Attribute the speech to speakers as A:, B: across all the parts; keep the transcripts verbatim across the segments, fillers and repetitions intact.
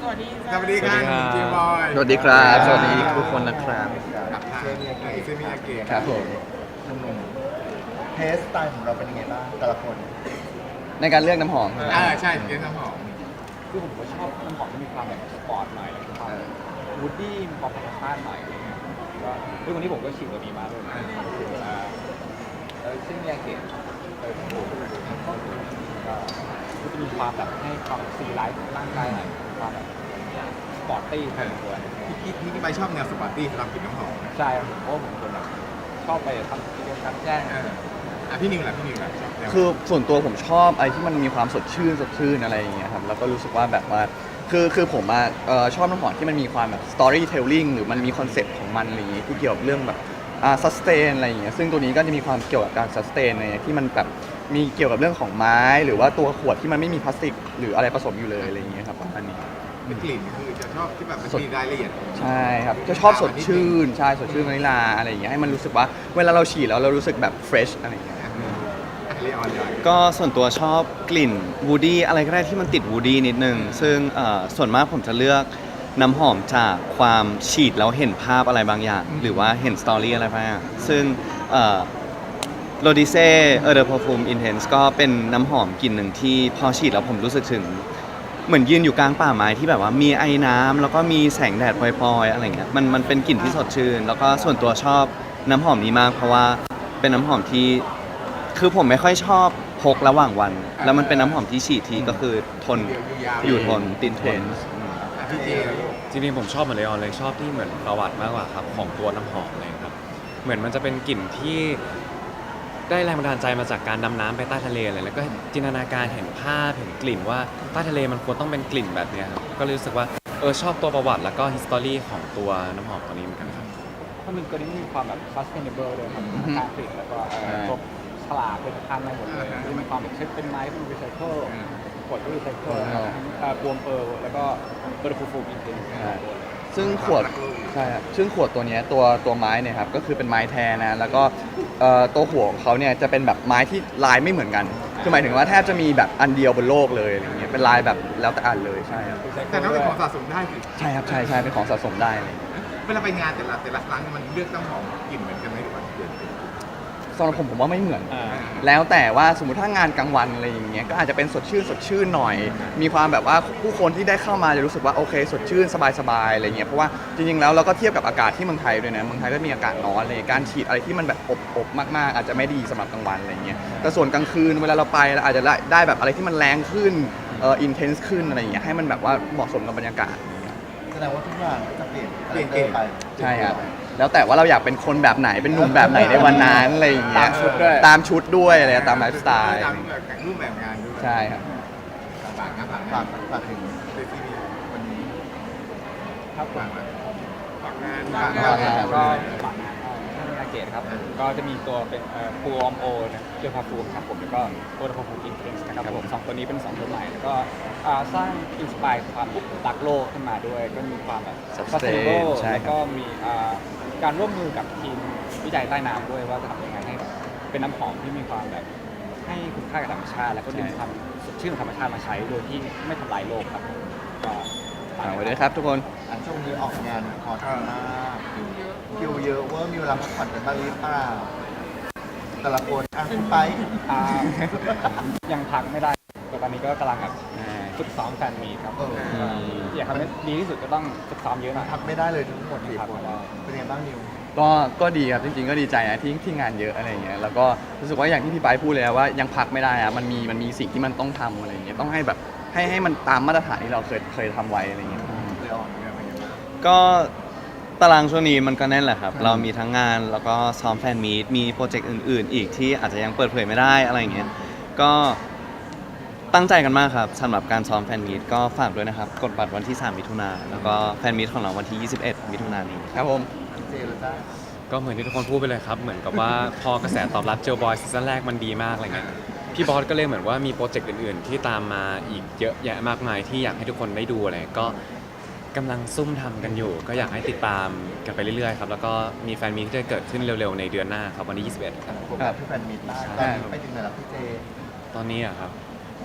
A: วัสดี
B: สวัสดีครับเจมบอย
C: สวัสดีครับสวัสดีทุกคนนะครับ
B: กับทางเซมิยาเกะ
C: ครับผม
D: หนุ่มๆเทสสไตล์ของเราเป็นยังไงบ้างแต่ละคน
C: ในการเลือกน้ำหอม
B: อ่าใช่เกสน้ำหอม
A: คือผมก็ชอบน้ำหอมที่มีความแบบสปอร์ตหน่อยแล้วก็ความวูดดี้มีความธรรมชาติหน่อยอะไรเงี้ยก็ด้วยวันนี้ผมก็ฉีดตัวนี้มาด้วยนะอ่าแล้วซึ่งยาเกะเออผมก็ก็จะมีความแบบให้ความซีไลฟ์ร่างกายหน่อยความแบบสปอร์ตตี้พอสมควร
B: พี่พี่พี่ไปชอบแนวสปาร์ตี้สำหรับกลิ่นน้ำหอม
A: ใช่ครับผมเพราะว่าผมเป็นคนแบบชอบไปทำกิจกรรมกลางแจ้ง
B: เอออ่ะพี่นิวล่ะพี่นิวล่ะชอบแนว
C: คือส่วนตัวผมชอบอะไรที่มันมีความสดชื่นสดชื่นอะไรอย่างเงี้ยครับแล้วก็รู้สึกว่าแบบว่าคือคือผมอะเอ่อชอบน้ำหอมที่มันมีความแบบ storytelling หรือมันมีคอนเซ็ปต์ของมันอะไรอย่างงี้ที่เกี่ยวกับเรื่องแบบอ่า sustain อะไรอย่างเงี้ยซึ่งตัวนี้ก็จะมีความเกี่ยวกับการ sustain อะไรที่มันแบบมีเกี่ยวกับเรื่องของไม้หรือว่าตัวขวดที่มันไม่มีพลาสติกหรืออะไรผสมอยู่เลยอะไรอย่างเงี้ยครับประมาณนี้
B: เป็นกลิ่นคือจะชอบที่แบบมันมีรายละเอียด
C: ใช่ครับจะชอบสดชื่นใช่สดชื่นวานิลลาอะไรอย่างเงี้ยให้มันรู้สึกว่าเวลาเราฉีดแล้วเรารู้สึกแบบ fresh อะไรอย่างเงี้ย
B: เลออนเลย
E: ก็ส่วนตัวชอบกลิ่นวูดี้อะไรก็ได้ที่มันติดวูดี้นิดนึง ซึ่งเอ่อส่วนมากผมจะเลือกน้ำหอมจากความฉีดแล้วเห็นภาพอะไรบางอย่าง หรือว่าเห็นสตอรี่อะไรบางอย่างซึ่งโรดิเซ่เออเดอร์พอฟูมอินเทนส์ก็เป็นน้ำหอมกลิ่นหนึ่งที่พอฉีดแล้วผมรู้สึกถึง เหมือนยืนอยู่กลางป่าไม้ที่แบบว่ามีไอ้น้ำแล้วก็มีแสงแดดพลอยๆอะไรเงี้ยมันมันเป็นกลิ่นที่สดชื่น แล้วก็ส่วนตัวชอบน้ำหอมนี้มาก เพราะว่าเป็นน้ำหอมที่ คือผมไม่ค่อยชอบพกระหว่างวัน แล้วมันเป็นน้ำหอมที่ฉีดทีก็คือทนอยู่ทนติดทน
B: อ่ะพี่เจ
F: จริงๆผมชอบเหมือนเลออนเลยชอบที่เหมือนประวัติมากกว่าครับของตัวน้ำหอมเลยครับเหมือนมันจะเป็นกลิ่นที่ได้แรงบันดาลใจมาจากการดำน้ำไปใต้ทะเลเลยแล้วก็จินตนาการเห็นภาพเห็นกลิ่นว่าใต้ทะเลมันควรต้องเป็นกลิ่นแบบเนี้ยครับก็เลยรู้สึกว่าเออชอบตัวประวัติแล้วก็ history ของตัวน้ำหอมตัวนี้เหมือนกันครับ
A: เพราะมันตัวนี้มีความแบบ sustainable เลยครับการผลิตแล้วก็เอ่อพวกฉลากเป็นทางอะไรหมดเลยที่มีความแบบเช็คเป็นไม้เป็นรีไซเคิลขวดก็รีไซเคิลบวมเปิลแล้วก็เบอร์ฟูฟูอินเทน
C: ซึ่งขวดใช่ครับซึ่งขวดตัวเนี้ยตัวตัวไม้เนี่ยครับก็คือเป็นไม้แท้นะแล้วก็เอ่อตัวหัวของเขาเนี่ยจะเป็นแบบไม้ที่ลายไม่เหมือนกันคือหมายถึงว่าแทบจะมีแบบอันเดียวบนโลกเลยอะไรเงี้ยเป็นลายแบบแล้วแต่อันเลยใช่ครับ
B: แต่น้องเป็นของสะสมได้สิ
C: ใช่ครับใช่ใช่เป็นของสะสมได้อะไรเงี้ย
B: เวลาไปงานแต่ละแต่ละครั้งมันเลือกน้ำหอมกลิ่นเหมือนกันไหมหรือว่าเปลี่ยน
C: สำหรับผมผมว่าไม่เหมือน
A: อ่า
C: แล้วแต่ว่าสมมติถ้างานกลางวันอะไรอย่างเงี้ยก็อาจจะเป็นสดชื่นสดชื่นหน่อย มีความแบบว่าผู้คนที่ได้เข้ามาจะรู้สึกว่าโอเคสดชื่นสบายๆอะไรเงี้ยเพราะว่าจริงๆแล้วเราก็เทียบกับอากาศที่เมืองไทยด้วยนะเมืองไทยก็มีอากาศร้อนอะไรการฉีดอะไรที่มันแบบอบๆมากๆ อาจจะไม่ดีสำหรับกลางวันอะไรเงี้ยแต่ส่วนกลางคืนเวลาเราไปเราอาจจะได้ได้แบบอะไรที่มันแรงขึ้นเอ่ออินเทนส์ขึ้นอะไรอย่างเงี้ยให้มันแบบว่าเหมาะสมกับบรรยากาศ
D: แสดงว่าทุกอย่างก็จะเปลี่ยน
B: เปลี่ยนเกม
D: ไป
C: ใช่ครับแล้วแต่ว่าเราอยากเป็นคนแบบไหนเป็นหนุ่มแบบไหนในวันนั้นอะไรอย่างเงี้ย
A: ตามชุดด้วย
C: ตามชุดด้วยอะไรตามไลฟ์สไตล์
B: ตามรูปแบบงานด้วย
C: ใช่ครับ
B: ฝากงานฝาก
D: ฝาง
B: าก น
D: ฝากถึง
B: เซมิวันนี้
A: ครับผม
B: ฝากฝากงาน
A: ฝากงานแล้วก็ฝากงานที่นาเกตครับก็จะมีตัวเป็นฟูออมโอนะเกี่ยวกับฟูมครับผมแล้วก็ตัวฟูฟูอินเทนส์นะครับผมสองตัวนี้เป็นสองตัวใหม่แล้วก็อ่าสร้างอินสปายความรักโลกขึ้นมาด้วยก็มีความแบบ sustainable
C: ใช่ครับ
A: แล้วก็มีอ่าการร่วมมือกับทีมวิจัยใต้น้ำด้วยว่าจะทำยังไงให้แบบเป็นน้ำหอมที่มีความแบบให้คุณค่ากับธรรมชาติ แล้วก็ดึงความสดชื่นของธรรมชาติมาใช้โดยที่ไม่ทำลายโลกครับก็ฝาก
C: ฝาก
A: ไว้
C: ไว้
A: ด้
C: ด้
A: ว
C: วย ย
A: ค
C: ครับ รับทุกคน
D: อันช่วงนี้ออกงานฮอตมากคิวเยอะเว่ามีเวลาพักผ่อนกันบ้างหรือเปล่าแต่ละคนอ่ะคุณไป
A: อ่ายังพักไม่ได้แต่ตอนนี้ก็กำลังแบบฝึกซ้อมแฟนมีตครับ
D: เออ
A: ก็อยากทำให้ดีที่สุดก็ต้องฝึกซ้อมเยอะหน่อย
D: พักไม่ได้เลยทั้งหมดสี่
A: พัก
D: ค
A: ไม่
D: น
A: ได้
D: เป็นยังไงบ้างนิว
C: ก็ก็ดีครับจริงๆก็ดีใจนะที่ที่งานเยอะอะไรอย่างเงี้ยแล้วก็รู้สึกว่าอย่างที่พี่ไบร์ทพูดเลยนะว่ายังพักไม่ได้อะมันมีมันมีสิ่งที่มันต้องทำอะไรอย่างเงี้ยต้องให้แบบให้ให้มันตามมาตรฐานที่เราเคยเคยทำไว้อะไรอย่างเงี้ย
D: เลยอ่อนเนี่ยเป็นยังไงบ้าง
E: ก็ตารางช่วงนี้มันก็แน่นแหละครับ เรามีทั้งงานแล้วก็ซ้อมแฟนมีตมีโปรเจกต์อื่นๆ อีกที่อาจจะยังเปิดเผยไม่ได้อะไรอย่างเงี้ยก็ตั้งใจกันมากครับสำหรับการซ้อมแฟนมีตก็ฝากด้วยนะครับกดบัตรวันที่สามมิถุนายนแล้วก็แฟนมีตของเราวันที่ยี่สิบเอ็ดมิถุนายนนี้
C: ครับผม
D: เจเลยจ้า
F: ก็เหมือนที่ทุกคนพูดไปเลยครับ เหมือนกับว่า พอกระแสตอบรับเจลบอยซีซั่นแรกมันดีมากอะไรเงี้ยพี่บอสก็เลยเหมือนว่ามีโปรเจกต์อื่นๆ ที่ตามมาอีกเยอะแยะมากมายที่อยากให้ทุกคนได้ดูอะไรก็กำลังซุ่มทำกันอยู่ ก็อยากให้ติดตามกันไปเรื่อยๆครับแล้วก็มีแฟนมีตที่จะเกิดขึ้นเร็วๆในเดือนหน้าครับวันที่ยี่สิบเอ็ดครับ
D: ผมแบบที่แฟนมีตได้ตอนนี้ไปถึงไหนแล้วพี่เจ
F: ตอนนี้อะครับ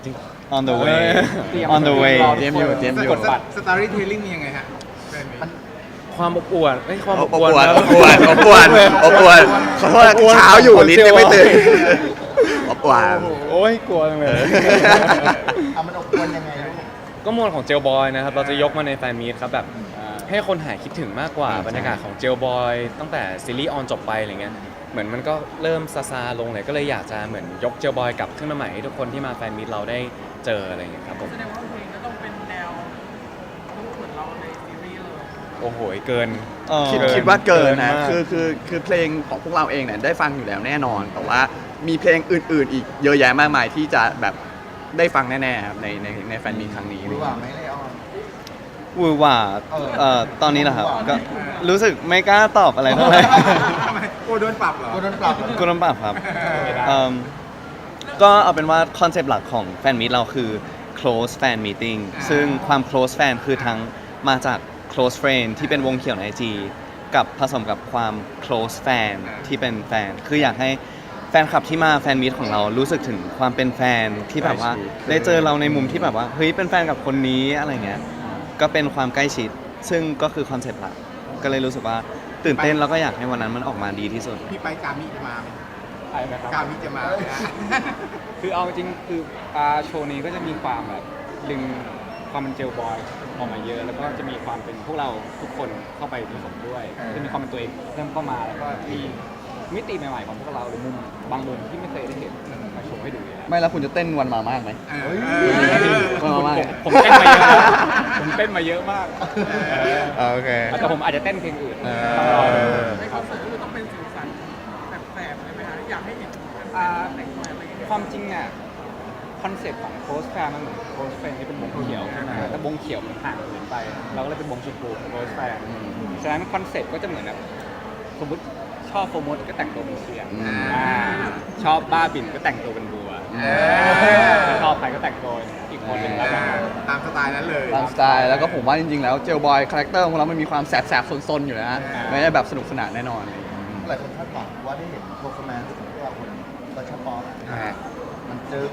F: จริง
E: on the way
A: เตรียม
E: on the way
A: รอ
C: เตรียมอยู่เตรียมอยู่
A: กดบัตร
B: สตอรี่เทลลิ่งมียังไงฮะแฟนมี
F: ความอบอวดเอ้ยความ
C: อ
F: อ
C: บบ อ
F: อวด
C: วด
F: นะ
C: อบอวดอบอวดอบอวดขอโทษนะเช้าอยู่ลิ้นยังไม่ตื่นอบอวด
F: โอ้ยกลัวจังเลย
D: เอามันอบอวนยังไงลูก
F: ก็มวลของเจลบอยนะครับ เราจะยกมาในแฟนมีตครับแบบให้คนหายคิดถึงมากกว่าบรรยากาศของเจลบอยตั้งแต่ซีรีส์ออนจบไปอะไรเงี้ยเหมือนมันก็เริ่มซาซาลงเลยก็เลยอยากจะเหมือนยกเจลบอยกลับขึ้นมาใหม่ให้ทุกคนที่มาแฟนมีตเราได้เจออะไรเงี้ยครับผม
G: แสดงว่าเพลงก็ต้องเป็นแนวต้องเหมือนเราในซีรีส์เลย
F: โอ้โหเกิน
E: เออ
C: คิด
F: เกิน
C: คิดว่าเกินนะ
F: เกินมาก
C: คือคือคือเพลงของพวกเราเองเนี่ยได้ฟังอยู่แล้วแน่นอน แต่ว่ามีเพลงอื่น ๆ อีกเยอะแยะมากมายที่จะแบบได้ฟังแน่ๆครับในในในแฟนมีตครั้งนี้
D: รู้ว่าไหมเลออน
E: วูหว่า
D: เออ
E: เอ่อตอนนี้เหรอครับ
D: วูหว่า
E: ก็รู้สึกไม่กล้าตอบอะไรเท่าไหร่
B: ทำไมโอ้โดนปรับเหรอ
D: กูโดนปรับเหรอ
E: กุลมปรับครับเอิ่มก็เอาเป็นว่าคอนเซปต์หลักของแฟนมีตเราคือ close fan meeting ซึ่งความ close fan คือทั้งมาจาก close friend ที่เป็นวงเขียวใน ไอ จี กับผสมกับความ close fan ที่เป็นแฟน คืออยากให้แฟนคลับที่มาแฟนมีตของเรารู้สึกถึงความเป็นแฟนที่แบบว่าได้เจอเราในมุมที่แบบว่าเฮ้ยเป็นแฟนกับคนนี้อะไรเงี้ยก็เป็นความใกล้ชิด ซึ่งก็คือคอนเซปต์หลักก็เลยรู้สึกว่าตื่นเต้นแล้วก็อยากให้วันนั้นมันออกมาดีที่สุด
B: พี่ไปกามิจะมาไหม
A: อะไรนะครับ
B: กามิจะมาไหมฮะ
A: คือเอาจริงๆคืออ่าโชว์นี้ก็จะมีความแบบดึงความเป็นเจลบอยออกมาเยอะ แล้วก็จะมีความเป็นพวกเราทุกคนเข้าไปผสมด้วย
D: เออ
A: จะมีความเป็นตัวเองเริ่มเข้ามาแล้วก็มีมิติใหม่ๆของพวกเราหรือมุมบางมุมที่ไม่เคยได้เห็นมาโชว์ให้ดูอยู่แล้ว
C: ไม่แล้วคุณจะเต้นวันมามากไหม
B: เออ
C: วันมามาก
A: ผมเต้นมาเยอะนะผมเต้นมาเยอะมาก
C: โอเค
A: แต่ผมอาจจะเต้นเพลงอื่น
C: เออ
A: ต้องรอดู
G: ในคอนเสิร์ตก็คือต้องเป็นสีสันแสบๆเลยไหมคะอยากให้เห็นแฟนๆแต่งตัวอะไรอย่างเงี้ย
A: ความจริงเนี่ยคอนเซ็ปต์ของโค้ชแฟร์มันเหมือนโค้ชแฟร์ที่เป็นวงเขียวใช่ไหมแต่วงเขียวมันห่างเกินไป เราก็เลยเป็นวงชมพูโค้ชแฟร์ฉะนั้นคอนเซ็ปต์ก็จะเหมือนแบบสมมติชอบโฟมดก็แต่งตัวเป็นเชียง
C: อืม
A: อ่าชอบบ้าบินก็แต่งตัวเป็นบัว
C: เออ
A: ถ้าชอบใครก็แต่งตัวอีกคนหนึ่งแล้วกัน
B: ตามสไตล์นั้นเลย
C: ตามสไตล์แล้วก็ผมว่าจริงๆแล้วเจลบอยคาแรคเตอร์ของเรามันมีความแสบๆซนๆอยู่นะไม่ได้แบบสนุกสนานแน่นอนอะไรอย่างเงี้ย
D: หลายคนคาดหวังว่าได้เห็นโปรแกรมของพวกเราคนก็ชอบป๊อป
C: อ่า
D: มันจึง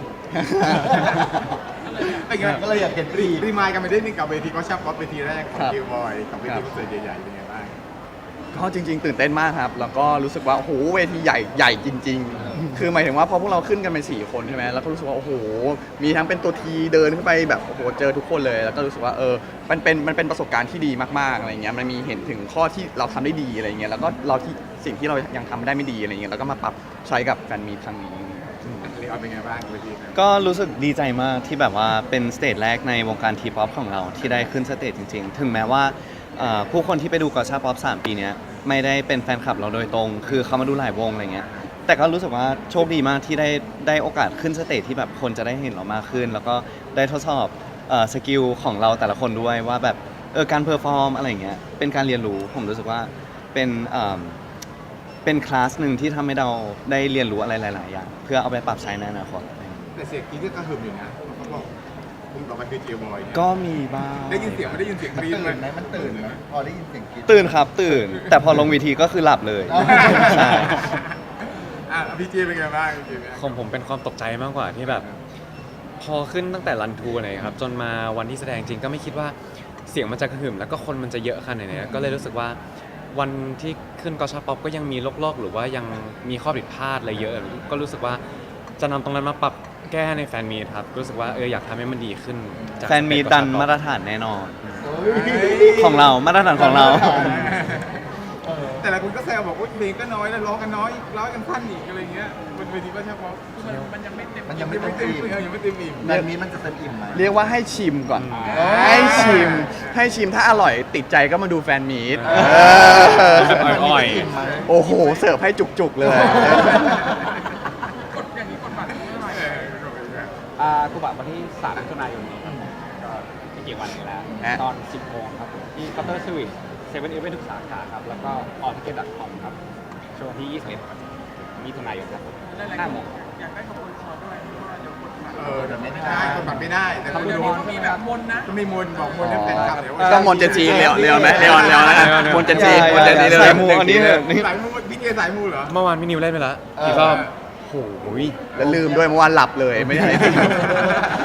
B: เป็นไง
D: ก็เลยอยากเห็นรี
B: รีมายกันไปได้นึงกับเวทีก็ชอบป๊อปเวทีแรกของ
C: ครับ
B: เกลบอยกับเว
C: ครั
B: ที
C: บ
B: คอนเสิร์ตใหญ่ๆเป็นไงบ้าง
C: ก็จริง ๆ ตื่นเต้นมากครับ แล้วก็รู้สึกว่าโอ้โหเวทีใหญ่ใหญ่จริง ๆ คือหมายถึงว่าพอพวกเราขึ้นกันเป็นสี่คนใช่ไหมแล้วก็รู้สึกว่าโอ้โหมีทั้งเป็นตัวทีเดินขึ้นไปแบบโอ้โหเจอทุกคนเลย แล้วก็รู้สึกว่าเออมันเป็นมันเป็นประสบการณ์ที่ดีมากๆอะไรเงี้ยมันมีเห็นถึงข้อที่เราทำได้ดีอะไรเงี้ยแล้วก็เราที่สิ่งที่เรายังทำได้ไม่ดีอะไรเงี้ยแล้วก็มาปรับใช้กับแฟนมีตครั้งนี้
B: เรียกว่าเป็นไงบ้างเวทีนั้น
E: ก็รู้สึกดีใจมากที่แบบว่าเป็นสเตจแรกในวงการทีป๊อปของเราที่ได้ขึ้นสเตจจริงๆ ถึงแม้ว่าเอ่อผู้คนที่ไปดูกอชาป๊อปสามปีเนี้ยไม่ได้เป็นแฟนคลับเราโดยตรง คือเขามาดูหลายวงอะไรเงี้ยแต่ก็รู้สึกว่าโชคดีมากที่ได้ได้โอกาสขึ้นสเตจที่แบบคนจะได้เห็นเรามากขึ้น แล้วก็ได้ทดสอบเอ่อสกิลของเราแต่ละคนด้วยว่าแบบเออการเพอร์ฟอร์มอะไรเงี้ยเป็นการเรียนรู้ผมรู้สึกว่าเป็นเอ่อเป็นคลาสหนึ่งที่ทำให้เราได้เรียนรู้อะไรหลายๆอย่างเพื่อเอาไปปรับใช้ในอนาคต
B: แต่เสียงกรี๊ดก็กระหึ่มอยู่นะเขาบอกคุณต่อไปคือเกลบอยเนี่ย
E: ก็มีบ้าง
B: ได้ยินเสียงไม่ได้ยินเสียงก
D: มัน
B: รี๊ด
D: ตื่นไห
B: ไห
D: ม
B: ม
D: มันตื่นไหมพอได้ยินเสียงกรี๊ด
E: ตื่นครับตื่น แต่พอลงเวีทีก็คือหลับเลย
D: อ๋อ
E: ใช่
B: อ่ะพี่เจเป็นไงบ้างพี่เจเป็นไง
F: ของผมเป็นความตกใจมากกว่าที่แบบ พอขึ้นตั้งแต่รันทูเลยครับจนมาวันที่แสดงจริงก็ไม่คิดว่าเสียงมันจะกระหึ่มแล้วก็คนมันจะเยอะขนาดนี้ก็เลยรู้สึกว่าวันที่ขึ้นกอชาป๊อปก็ยังมีลอกๆหรือว่ายังมีข้อผิดพลาดอะไรเยอะ ก็รู้สึกว่าจะนำตรงนั้นมาปรับแก้ในแฟนมีตครับรู้สึกว่าเอออยากทำให้มันดีขึ้นจาก
E: แฟนมีดันมาตรฐานแน่นอน
D: เฮ้ย
E: ของเรามาตรฐานของเรา
D: เออ
B: แต่ละคนก็แซวบอกว่าเพลงก็น้อยแล้วร้องกันน้อยร้องกันสั้นอีกอะไรเงี้ยบนเวทีก็ใช่ป๊อป
G: คือมันมันยังไม่เต็ม
D: มันยัง
B: ไม่
D: ไม่
B: เต็
D: เต็
B: ม
D: ม
B: อิ่
D: อิ่
B: ม
D: ม
B: ยังไม่เต็มอิ่ม
D: แบบนี้มันจะเต็มอิ่มไหม
C: เรียกว่าให้ชิมก่อน
D: อ๋อ
C: ให้ชิม ให้ชิมถ้าอร่อยติดใจก็มาดูแฟนมีต
F: อ่า
C: เออ
F: อ่อย
D: อิ่มไหม
C: โอ้โห เสิร์ฟให้จุกๆเลย
G: กดอย่างนี้กดบัตรเมื่อไหร่
B: เออก็เป็นแบบ
A: อ่ากุบัตวันที่สามมิถุนายนนี้ครับก็ไม่กี่วันนี้แล้ว
C: ฮะ
A: ตอน สิบโมงครับผมที่เคาน์เตอร์สวิตเซเว่นอีเวนทุกสาขาครับ แล้วก็ออนทิเก็ตดอทคอมครับช่วงที่ยี่สิบเอ็ดมิถุนายนครับ
G: หลายๆ
A: ห้า
G: ค
A: โม
G: น
A: ง
G: อยากได้ขบวนคอด้วยเพราะว่าเดี๋ยวกดบัตร
B: เออแต่ไม่ได้กดบัตรไม่ได้แต่
A: ทำ
B: ต้อง
A: เดี๋
G: เดี๋
A: ย
G: ยว วนี้มีแบบมนต์นะ
B: ก็ไม่มนต์บอกมนต์ให้แฟนคลับเดี๋ยว
C: ต้องมนเจนจีเลออนเลออนไหมเลออนเลออนแล้วกันมนเจนจีมนเจนจีเลย
E: สายมูอันนี้เนี่ย
B: สายมูพี่เจสายมูเหรอ
F: เมื่อวานพี่นิวเล่นไปแล้ว
D: เออ
F: อีกรอบโอ้โห
C: แล้วลืมด้วยเมื่อวานหลับเลยไม่ได้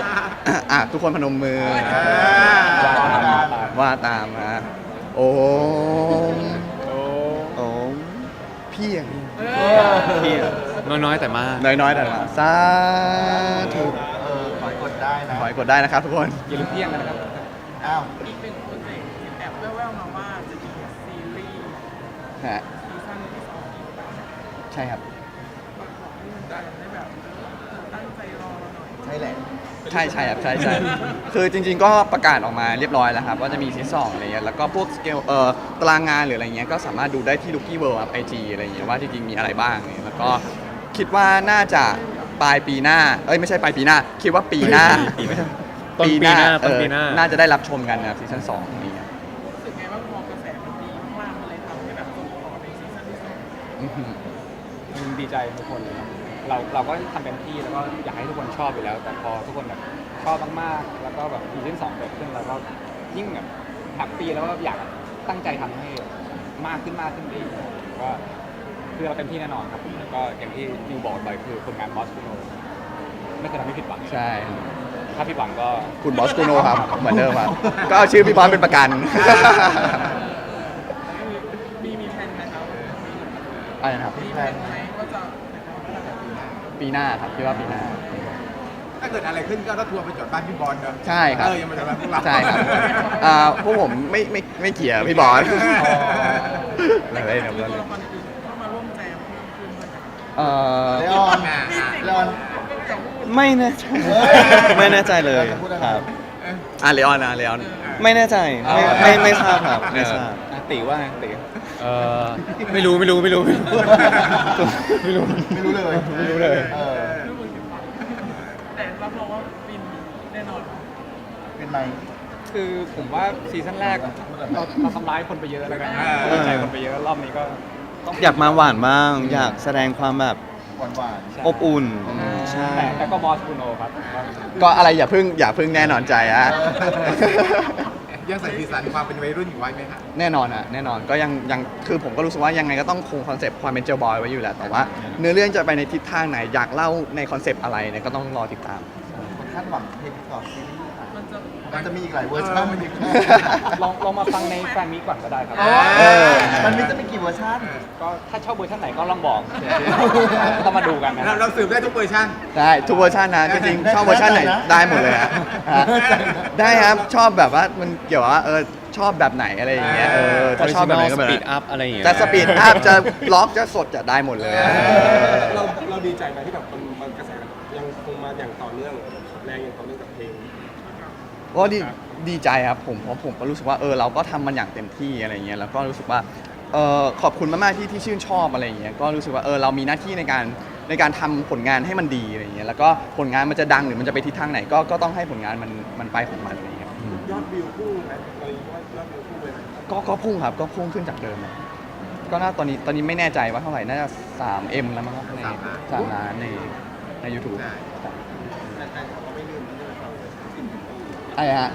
C: อ่ะทุกคนพนมมือ
A: ว่าตาม
C: ว่าตามนะโอ้ม
A: โอ้
E: โอ้
C: เพียง
E: เพียง
F: น้อยๆแต่มาก
C: น้อยๆแต่มาสาธุ
D: เออขอยกดได้นะ
C: ขอให้กดได้นะครับทุกคน
A: อย่าลืมเพียงกันนะครับ
D: อ้าว
G: อีกหนึ่งโปรเจกต์แอบแว่วๆมาว่าจะมีซีรีส์
C: ฮะ
G: ซีซั่นที่สองอีกแบบ
C: ใช่ครับ
G: บอกให้มันได้แบบตั้งใจรอเราหน่อย
D: ใช่แหละ
C: ใช่ใช่ครับใช่ใช่คือจริงๆก็ประกาศออกมาเรียบร้อยแล้วครับว่าจะมีซีซั่นสองอะไรเงี้ยแล้วก็พวกสเกลเอ่อตารางงานหรืออะไรเงี้ยก็สามารถดูได้ที่ Rookie World ครับไอจีอะไรเงี้ยว่าจริงๆมีอะไรบ้างเนี่ยแล้วก็คิดว่าน่าจะปลายปีหน้าเอ้ยไม่ใช่ปลายปีหน้า คิดว่าปีหน้า
F: ต้นปีหน้าต้น
C: เออ
F: ปีหน้า
C: น่าจะได้รับชมกันนะครับซีซั่นสองนี้ครับ
G: รู้สึกไงว่างพอกระแสมันดีมากๆมันเลยทำให้แบบส่งต่อในซีซั่นที่สอง
C: อื้อหือ
A: ดีใจทุกคนเลยครับเราเราก็ทำเต็มที่แล้วก็อยากให้ทุกคนชอบอยู่แล้ว แต่พอทุกคนแบบชอบมากๆแล้วก็แบบซีซั่นสองเกิดขึ้นเราก็ยิ่งแบบแฮปปี้แล้วก็อยากตั้งใจทำให้มากขึ้นมากขึ้นไปอีกก็คือเราเต็มที่แน่นอนครับแล้วก็อย่างที่นิวบอกไปคือผลงานบอสคูโนไม่เคยทำให้ผิดหวัง
C: ใช่
A: ถ้าผิดหวังก็
C: คุณบอสกูโนครับ เหมือนเดิมครับ ก็เอาชื่อพี่บอสเป็นประกัน
G: มีมีแผนไหมครับ
C: อะไรนะครับ
G: มีแผนไหมว่าจะ
C: ปีหน้าครับคิดว่าปีหน้า
B: ถ้าเกิดอะไรขึ้นก็รถทัวร์ไปจอดบ้านพี่บอลเนอะ
C: ใช่ครับ
B: เออยังมาจอดบ้านพวกเรา
C: ใช่ครับอ่าพวกผมไม่ไม่ไม่เกี่ยวพี่บอส
G: แต่
C: เล่น
G: ก็
C: ครับ
G: มี
C: เล่น
G: ตัวละครอื่นเข้ามาร่วมแจมเพิ่มขึ้นด้วยนะ
C: เอ่อ
D: เลออนเลออน
E: ไม่แน่ใจ ไม่แน่ใจเลยครับ
C: อ่ะเลออนนะเลออน
E: ไม่แน่ใจ ไม่ไม่ไม่ทราบครับ ไม่ทราบ
A: อ่ะตีว่าไงตี
F: เออไม่รู้ไม่รู้ไม่รู้ไม่รู้ไม่รู้
D: ไม่รู้เลย
F: ไม่รู้เลย
D: เออ
G: แต่รับรองว่าบินแน่นอน
D: เป็นไหม
A: คือผมว่าซีซั่นแรกเราเราทำร้ายคนไปเยอะแล้วกันดีใจคนไปเยอะรอบนี้ก็ต้อง
E: อยากมาหวานบ้าง อยากแสดงความแบบ
D: หวานหวาน
E: อบอุ่น ใช่
A: แต่แต่ก็บอสคูโนครับ
C: ก็อะไรอย่าเพึ่งอย่าเพึ่งแน่นอนใจอะ
B: ยังใส่สีสันความเป็นวัยรุ่นอยู่ไว้ไหมครับ
C: แน่นอนอะแน่นอนก็ยังยังคือผมก็รู้สึกว่ายังไงก็ต้องคงคอนเซปต์ความเป็นเจลบอยไว้อยู่แหละแต่ว่าเนื้อเรื่องจะไปในทิศทางไหนอยากเล่าในคอนเซปต์อะไรเนี่ยก็ต้องรอติดตาม
D: คนคาดหวังเพลงต่อซีรีส์ค่ะ
G: มันจะ
D: มันจะมีอีกหลายเวอร์ชัน
A: ลองลองมาฟังในแฟนมีก่อนก็ได้ครับ
C: เออ
D: มันมีจะมีกี่เวอร์ชัน
A: ก็ถ้าชอบเวอร์ชันไหนก็ลองบอกต้องมาดูกันนะ
B: เราเราสืบได้ทุกเวอร์ชัน
C: ได้ทุกเวอร์ชันนะจริงๆชอบเวอร์ชันไหนได้หมดเลยอะฮะได้ครับชอบแบบว่ามันเกี่ยวว่าเออชอบแบบไหนอะไรอย่างเงี้ยเออถ้าชอบแบบไหนก็แบบ
F: สปีด
C: นั้น
F: อัพอะไรอย่างเงี้ย
C: จะสปีดอัพจะล็อกจะสดจะได้หมดเลยอะ
H: เราเราดีใจไหมที่แบบมันมันกระแสยังคงมาอย่างต่อเนื่องแรงอย่างต่อเนื่องกับเพลง
C: ก็ดีดีใจครับผมเพราะผมก็รู้สึกว่าเออเราก็ทำมันอย่างเต็มที่อะไรเงี้ยแล้วก็รู้สึกว่าเออขอบคุณมากๆที่ที่ชื่นชอบอะไรอย่างเงี้ยก็รู้สึกว่าเออเรามีหน้าที่ในการในการทำผลงานให้มันดีอะไรเงี้ยแล้วก็ผลงานมันจะดังหรือมันจะไปทิศทางไหนก็ก็ต้องให้ผลงานมันมันไปของมันอะไรเงี้ย
H: ยอดวิวพุ่งไหมเราว่ายอดวิวพุ่งเลยไหม
C: ก็ก็พุ่งครับก็พุ่งขึ้นจากเดิมอะก็น่าตอนนี้ตอนนี้ไม่แน่ใจว่าเท่าไหร่น่าจะสามเอ็มแล้วมั้งครับในสามล้านในในยูทูบ
B: ใช่
H: แต่แต่เขาก็ไม่ลืมนะเนี่ย
C: อะไรฮะ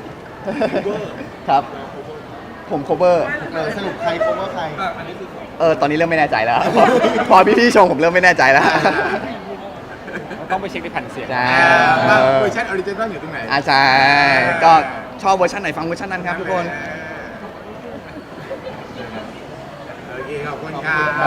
C: ครับผม cover
D: เออสรุปใครโคเวอร์ใคร
H: อันนี้คือ
C: เออตอนนี้เริ่มไม่แน่ใจแล้ว พอพี่ๆชงผมเริ่มไม่แน่ใจแล้ว
A: ต้องไปเช็คในแผ่นเสียง
C: ใช่
B: ว่าเวอร์ชันออริจินอลอยู่ตรงไหน
C: อาจารย์ก็ชอบเวอร์ชันไหนฟังเวอร์ชันนั้นครับทุกคน
B: โอเคขอบคุณครับ